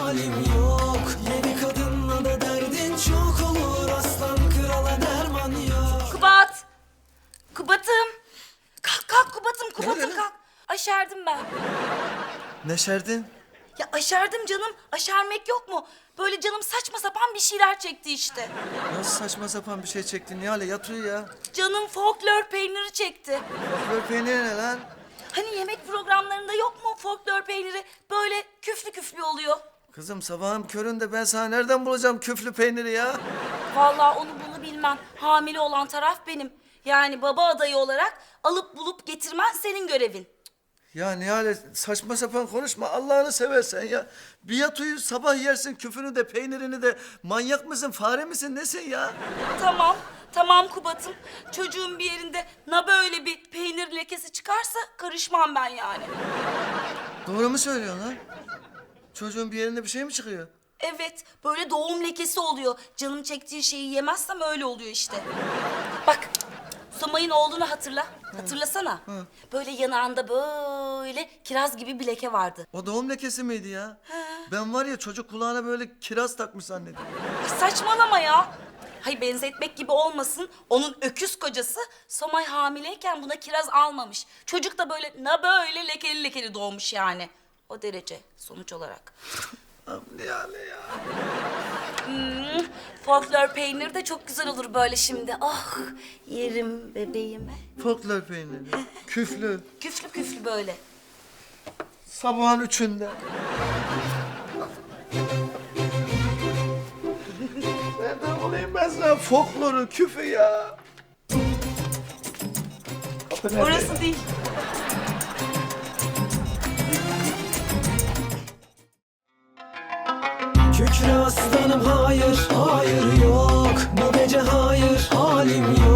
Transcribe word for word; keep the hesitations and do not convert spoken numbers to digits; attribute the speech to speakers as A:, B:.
A: halim yok. Yedi kadınla da derdin çok olur, aslan krala derman yok.
B: Kubat! Kubat'ım! Kalk kalk Kubat'ım, Kubat'ım
C: Nerede?
B: kalk. Aşerdim ben.
C: Neşerdin?
B: Ya aşerdim canım. Aşermek yok mu? Böyle canım saçma sapan bir şeyler çekti işte.
C: Nasıl saçma sapan bir şey çektin Nihale? Yat uyu ya.
B: Canım folklor peyniri çekti.
C: Böyle peynir ne lan?
B: Hani yemek programlarında yok mu folklor peyniri? Böyle küflü küflü oluyor.
C: Kızım sabahın köründe ben sana nereden bulacağım küflü peyniri ya?
B: Vallahi onu bunu bilmem. Hamile olan taraf benim. Yani baba adayı olarak alıp bulup getirmen senin görevin.
C: Ya Nihale saçma sapan konuşma Allah'ını seversen ya. Bir yat uyu sabah yersin küfünü de peynirini de. Manyak mısın fare misin nesin ya?
B: Tamam, tamam Kubat'ım. Çocuğun bir yerinde na böyle bir peynir lekesi çıkarsa karışmam ben yani.
C: Doğru mu söylüyorsun lan? Çocuğun bir yerinde bir şey mi çıkıyor?
B: Evet, böyle doğum lekesi oluyor. Canım çektiği şeyi yemezsem öyle oluyor işte. Bak, Somay'ın oğlunu hatırla. Hatırlasana. Böyle yanağında böyle kiraz gibi bir leke vardı.
C: O doğum lekesi miydi ya? Ben var ya çocuk kulağına böyle kiraz takmış zannediyorum.
B: Ay, saçmalama ya. Hay benzetmek gibi olmasın. Onun öküz kocası Somay hamileyken buna kiraz almamış. Çocuk da böyle na böyle lekeli lekeli doğmuş yani. O derece sonuç olarak.
C: Am Nihale ya.
B: Hmm, folklor peynir de çok güzel olur böyle şimdi. Ah yerim bebeğimi.
C: Folklor peyniri. Küflü.
B: Küflü küflü böyle.
C: Sabahın üçünde. Nereden bulayım ben sana folkloru, küfü ya? Kapı nerede?
B: Orası değil.
A: Kükre aslanım hayır, hayır yok. Bu gece hayır, halim yok.